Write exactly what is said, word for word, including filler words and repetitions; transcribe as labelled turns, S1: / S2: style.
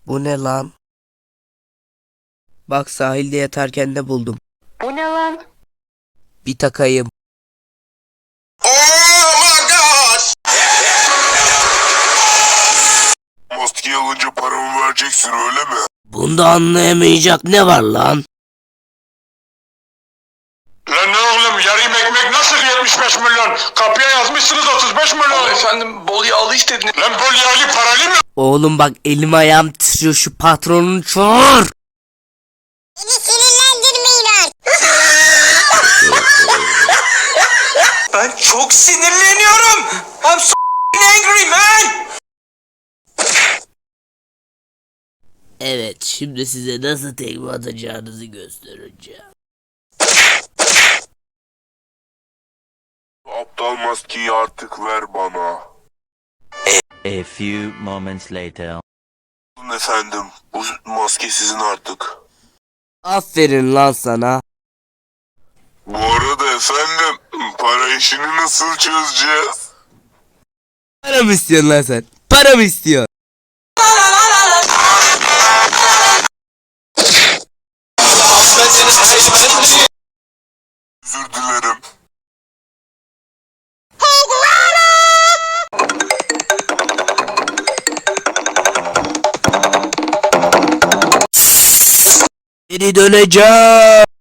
S1: Bu ne lan? Bak sahilde yatarken de buldum.
S2: Bu ne lan?
S1: Bir takayım.
S3: Maskeyi alınca paramı vereceksin öyle mi?
S1: Bunda anlayamayacak ne var lan?
S3: Lan ne oğlum yarım ekmek nasıl yetmiş beş milyon? Kapıya yazmışsınız otuz beş milyon.
S4: Ama efendim bol yağlı istediniz.
S3: Lan bol yağlı paralı mı?
S1: Oğlum bak elim ayağım titriyor, şu patronunu çağır.
S2: Beni sinirlendirmeyin artık.
S4: Ben çok sinirleniyorum. I'm so angry man.
S1: Evet, şimdi size nasıl tekme atacağınızı göstereceğim.
S3: Aptal maskeyi artık ver bana.
S5: A few moments later.
S3: Buyurun efendim, bu maske sizin artık.
S1: Aferin lan sana.
S3: Bu arada efendim, para işini nasıl çözeceğiz?
S1: Para mı istiyorsun lan sen? Para mı istiyorsun?
S3: Özür dilerim.
S1: Geri döneceğim.